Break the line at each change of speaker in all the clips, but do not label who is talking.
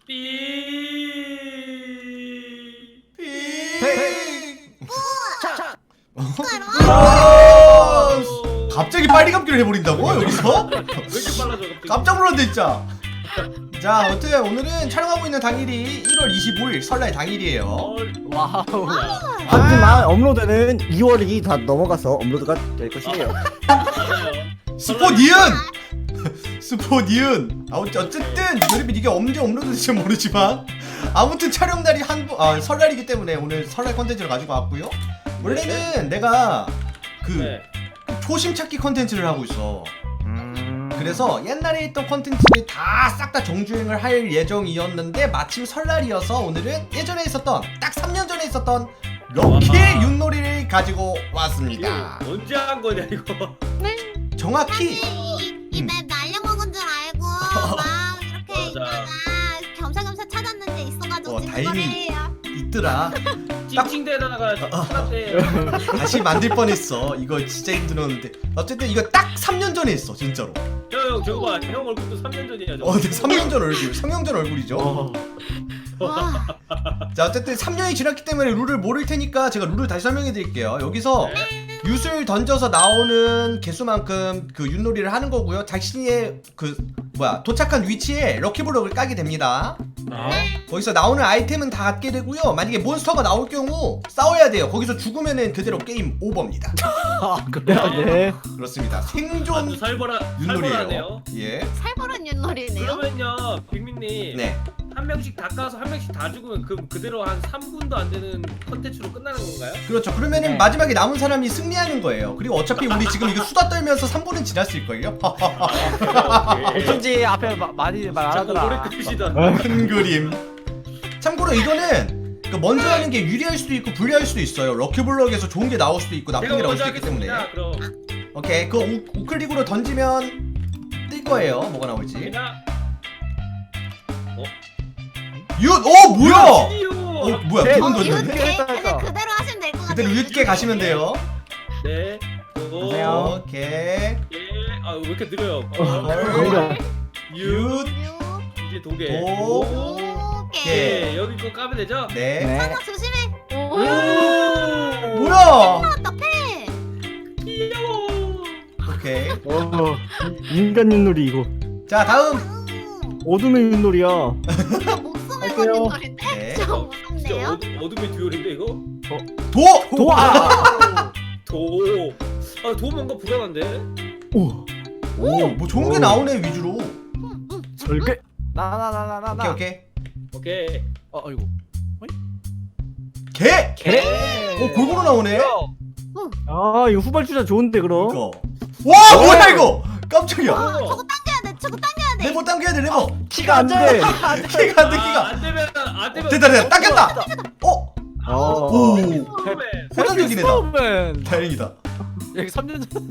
갑자기 빨리 감기를 해버린다고 여기서?
왜 이렇게 빨라져 갑자기?
깜짝 놀랐네 진짜. 자, 어쨌든 오늘은 촬영하고 있는 당일이 1월 25일 설날 당일이에요.
와우.
하지만 업로드는 2월이 다 넘어가서 업로드가 될 것이에요.
스포 니은! 스포 니은! 어쨌든 여러분 이게 언제 업로드될지 모르지만 아무튼 촬영날이 설날이기 때문에 오늘 설날 컨텐츠를 가지고 왔고요. 원래는 내가 그 초심 찾기 컨텐츠를 하고 있어. 그래서 옛날에 있던 컨텐츠를 다 싹 다 정주행을 할 예정이었는데 마침 설날이어서 오늘은 예전에 있었던 딱 3년 전에 있었던 럭키 윷놀이를 가지고 왔습니다.
이거 언제 한 거냐 이거?
정확히
이맵 날려먹은 줄 알고 막 이렇게 있다가 겸사겸사 찾았는데 있어가지고 지금
다행히
거래요.
있더라.
찡찡대다가 찾았대.
다시 만들 뻔했어. 이거 진짜 힘들었는데 어쨌든 이거 딱 3년 전에 했어 진짜로.
형 저거 봐. 형 얼굴도 3년 전이야. 저거.
근데 3년 전 얼굴, 3년 전 얼굴이죠.
와,
자, 어쨌든 3년이 지났기 때문에 룰을 모를 테니까 제가 룰을 다시 설명해 드릴게요. 여기서 윷을 던져서 나오는 개수만큼 그 윷놀이를 하는 거고요. 자신의 도착한 위치에 럭키블럭을 까게 됩니다. 거기서 나오는 아이템은 다 갖게 되고요. 만약에 몬스터가 나올 경우 싸워야 돼요. 거기서 죽으면은 그대로 게임 오버입니다.
네.
그렇습니다. 생존
아주 살벌하네요.
윷놀이에요. 예.
살벌한 윷놀이네요.
그러면요, 빅민님.
네.
한 명씩 다 까서 한 명씩 다 죽으면 그대로 한 3분도 안 되는 컨텐츠로 끝나는 건가요?
그렇죠. 그러면은 마지막에 남은 사람이 승리하는 거예요. 그리고 어차피 우리 지금 이거 수다 떨면서 3분은 지났을걸요?
어쩐지 앞에 많이 말 안
자꾸 노래
하더라.
끄시다.
큰 그림. 참고로 이거는 먼저 하는 게 유리할 수도 있고 불리할 수도 있어요. 럭키블럭에서 좋은 게 나올 수도 있고 나쁜 게
제가
나올
먼저
수도 있기 때문에.
하겠습니다. 그럼
오케이. 그거 우클릭으로 던지면 뜰 거예요. 뭐가 나올지.
제가
뭐야?
진이요.
뭐야?
네.
두번
이웃게
던졌네?
그냥 그대로 하시면 될 것 같아요.
그대로 유트게 가시면 돼요.
네.
안녕하세요.
오케이.
예. 왜 이렇게 느려요?
뭔가
윷
윷.
이제 두 개.
오.
오케이.
예. 여기 거 까면 되죠?
네.
네.
하나 조심해. 오.
뭐야?
나왔다 패.
귀여워.
오케이.
인간 윷놀이 이거.
자, 다음.
어둠의 윷놀이야.
목숨을 건 윷놀인데.
네.
좀
진짜
무섭네요.
어둠의 듀얼인데 이거?
도와.
도 뭔가 불안한데?
오.
뭐 좋은 게 나오네 위주로.
절개.
나나나나나.
오케이.
오케이.
어이구.
개.
개.
골고루 나오네.
아 이거 후발주자 좋은데 그럼.
이거. 와, 뭐야 이거? 깜짝이야.
저거 당겨야 돼. 저거 당겨야 돼.
레버 당겨야 돼, 레버.
키가 안 돼.
키가 안 돼, 키가.
안 되면
됐다, 당겼다. 오.
처음에
호전적이네, 나.
스톱은
다행이다.
여기 3년 전.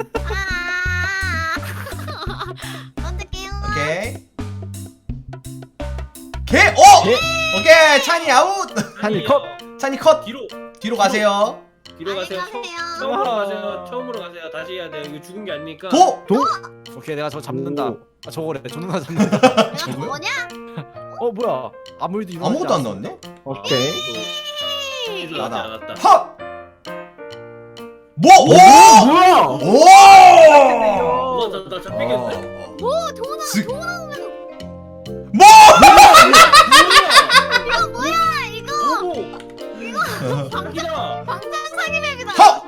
던질게요.
오케이. 개. 오케이. 찬이 아웃.
찬이 컷.
찬이 컷.
뒤로
가세요.
가세요.
안녕히 가세요.
처음으로 가세요. 처음으로 가세요. 다시 해야 돼. 이거 죽은 게 아니니까.
도.
오케이 내가 저거 잡는다.
오.
저거래. 존나 잡는다.
내가
저거요?
저거냐?
뭐야? 아무 일도 일어나지
아무것도 안
않았어.
나왔네.
오케이.
나다.
헛. 뭐?
뭐야?
오.
나 잡히겠네.
오, 도나
슥.
나오면
뭐?
이거 뭐야? 이거
오고. 방기다.
방탄 사기 맵이다.
헛.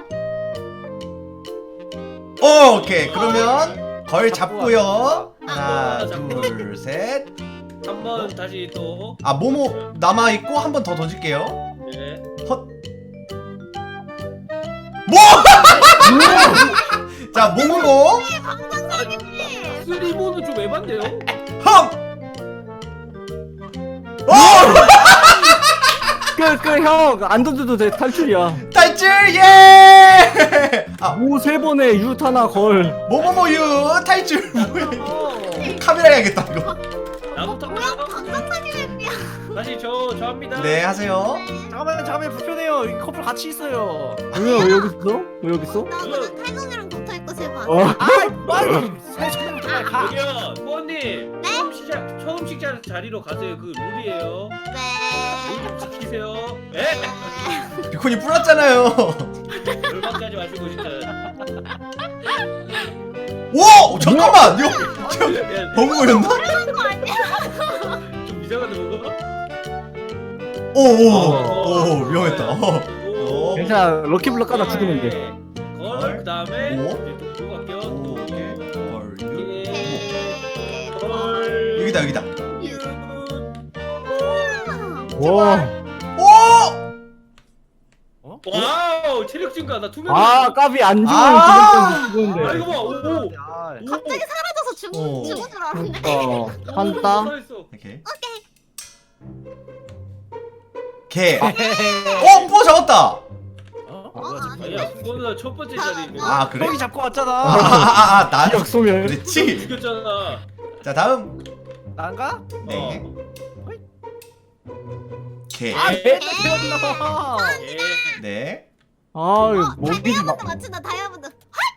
오케이. 그러면 걸 잡고요. 하나, 둘, 셋.
한번 다시 또.
모모 남아 있고 한 번 더 던질게요.
네.
헛. 뭐? 자, 모모모.
방탄 사기 맵.
쓰리모는 좀 에반데요?
헛.
형안 던져도 돼 탈출이야.
탈출 예.
오 세 번에 윷 하나 걸.
모모모유 탈출. 뭐야 이거? 카메라 해야겠다 이거.
나부터
뭐야? 방탄 사기 맵이야.
다시 저 합니다.
네, 하세요.
잠깐만 불편해요. 이 커플 같이 있어요.
왜 여기 있어? 왜 여기 있어?
나 그냥 탈선이랑 붙어 있고 제발.
어.
빨리 세 손으로 가.
여기요, 부모님.
네?
처음 회식 자리로 가세요. 그 룰이에요.
네.
룰 좀 지키세요. 에?
비콘이 뿌렸잖아요.
열받게 하지 마시고 진짜.
오 잠깐만 이거
야,
버그거렸나?
그런 거 아니야?
좀 이상한데 뭐가?
오오오 위험했다.
오.
괜찮아 럭키블럭 하나 죽으면 돼.
걸 그다음에
오.
이제 또 갈게요. 또.
네.
걸.
여기다 여기다.
와.
오!
와우 체력 증가 나 투명.
아 까비 안 죽으면
아!
죽었는데.
아 이거 봐. 오.
아,
갑자기 사라져서
어.
죽은 줄 알았네.
한다.
오케이.
오케이.
개. 뿌어 잡았다.
어?
아니야 그거는 첫 번째 자리.
아 그래?
형이 잡고 왔잖아.
아나
기억 소멸.
그렇지.
죽였잖아.
자 다음
난가?
네. 개.
아, 내가 태웠나?
예.
네.
아 이거 목이
다이아몬드 맞춘다. 다이아몬드.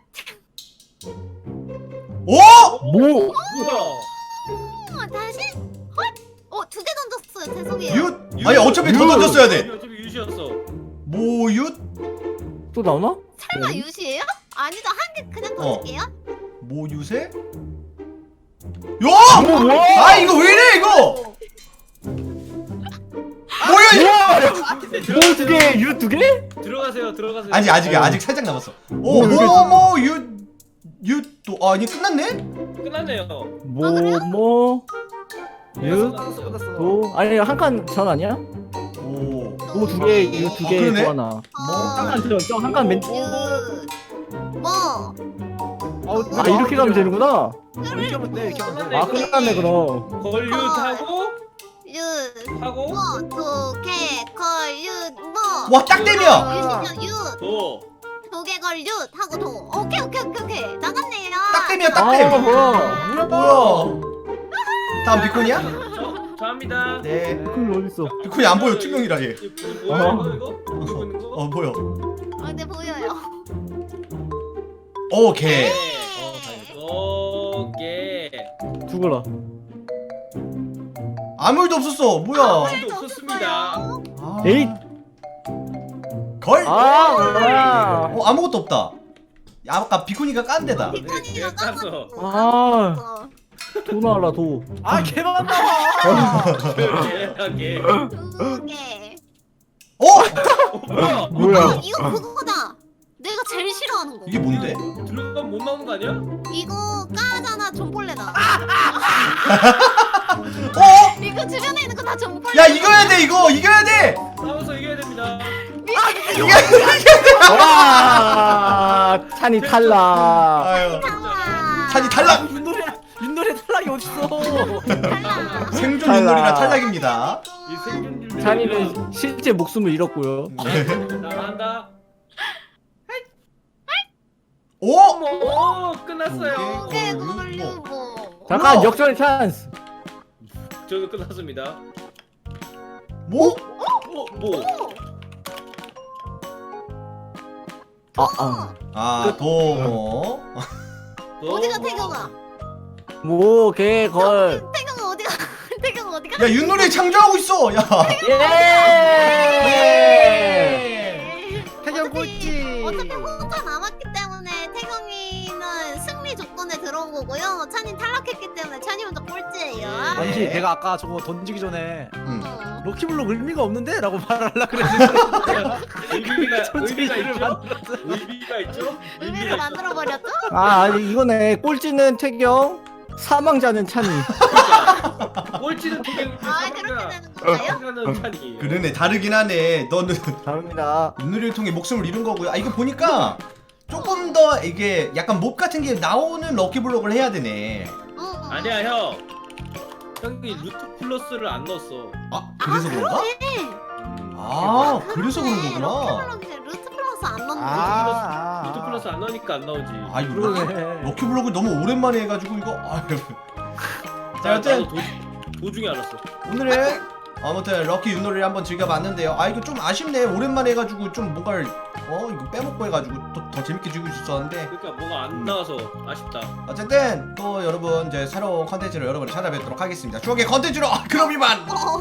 오!
뭐?
뭐야?
다시. 헐. 2개 던졌어요. 죄송해요.
윷? 아니 어차피 더 던졌어야 돼.
어차피 유시였어.
모윷?
또 나오나?
설마 유시예요? 아니죠. 한 개 그냥 던질게요.
모윷에? 야!
뭐야?
아 이거 왜 이래 이거? 뭐야 이거?
뭐 두 개, 유 두 개?
들어가세요. 들어가세요.
아직 살짝 남았어. 오 윷도 아니 끝났네?
끝났네요.
뭐? 유?
끝났어, 끝났어.
도? 아니 한 칸 전 아니야?
오.
뭐 두 개, 유 두 개,
그러네?
또 하나. 한칸 맨.
뭐?
아 이렇게 가면 되는구나.
이렇게 하면 돼, 이렇게 하면 돼.
아 끝났네 그럼.
걸류 타고
윷.
하고
뭐? 2개 걸 윷. 뭐?
와 딱 땜이야.
유시죠. 윷.
도.
2개 걸 윷. 하고 도. 오케이. 나갔네요.
딱 땜이야 딱
아
땜.
뭐야?
뭐야? 다음 비콘이야?
저 합니다.
네.
그 어디 있어?
비콘이 안 보여 투명이라 얘.
뭐야 이거? 보고 있는 거?
보여.
네 보여요.
오 개.
오케이.
죽어라.
아무 일도 없었어. 뭐야?
아무도 없었습니다.
아.
에잇.
걸?
아 뭐야?
아무것도 없다. 아까 비콘이가 깐 데다.
비콘이가
깠어.
깠어.
도 나와라 도.
아, 개만 나와.
오케이.
2개.
뭐야?
뭐야?
이거 그거다. 내가 제일 싫어하는 거.
이게 뭔데?
들어가면 못 나오는 거 아니야?
이거 까잖아 존벌레다. 이거 주변에 있는 거 다 존벌레.
야 이겨야 돼 이거 이겨야 돼.
싸워서 이겨야 됩니다.
와 찬이 탈락.
아유.
잠깐만.
찬이 탈락.
윷놀이 탈락이 어딨어?
탈락.
생존
탈락.
윷놀이라 탈락입니다.
이 생존율.
찬이는 실제 목숨을 잃었고요.
나간다.
오?
오 끝났어요.
오케이 걸리고.
잠깐 역전의 찬스.
저는 끝났습니다.
뭐?
뭐?
아 도.
어디가 태경아?
뭐 개 걸.
태경아 어디가? 태경아 어디가?
야 윷놀이 창조하고 있어. 야.
예.
태경 꼴찌.
어차피 혼자 남았기 때문에 태경이는 승리 조건에 들어온 거고요. 찬이 탈락했기 때문에 찬이 혼자 꼴찌예요.
아니지, 내가 아까 저거 던지기 전에
응.
럭키블럭 의미가 없는데? 라고 말하려고 그랬는데
의미가 있죠? 의미가 있죠?
의미를 만들어 버렸죠?
아 아니 이거네. 꼴찌는 태경, 사망자는 찬이.
꼴찌는 태경.
아 그렇게 되는 건가요?
는 찬이.
그러네 다르긴 하네. 너는
다릅니다.
윷놀이를 통해 목숨을 잃은 거고요. 아 이거 보니까 조금 더 이게 약간 몹 같은 게 나오는 럭키블록을 해야 되네.
아니야 형. 형이 루트 플러스를 안 넣었어.
아 그래서 그런가?
그러네.
아 그래서 그런 거구나.
럭키블럭에 루트 플러스 안 넣는 거지.
루트 플러스 안 넣으니까 안 나오지.
아 이거
그러네.
럭키블록을 너무 오랜만에 해가지고 이거. 아유. 자
나도
여튼
도중에 알았어.
오늘의 아무튼 럭키 윷놀이를 한번 즐겨봤는데요. 아 이거 좀 아쉽네. 오랜만에 해가지고 좀 뭔가를 이거 빼먹고 해가지고 더 재밌게 즐길 수 있었는데.
그러니까 뭐가 안 나와서 아쉽다.
어쨌든 또 여러분 이제 새로운 컨텐츠로 여러분을 찾아뵙도록 하겠습니다. 추억의 컨텐츠로 그럼 이만.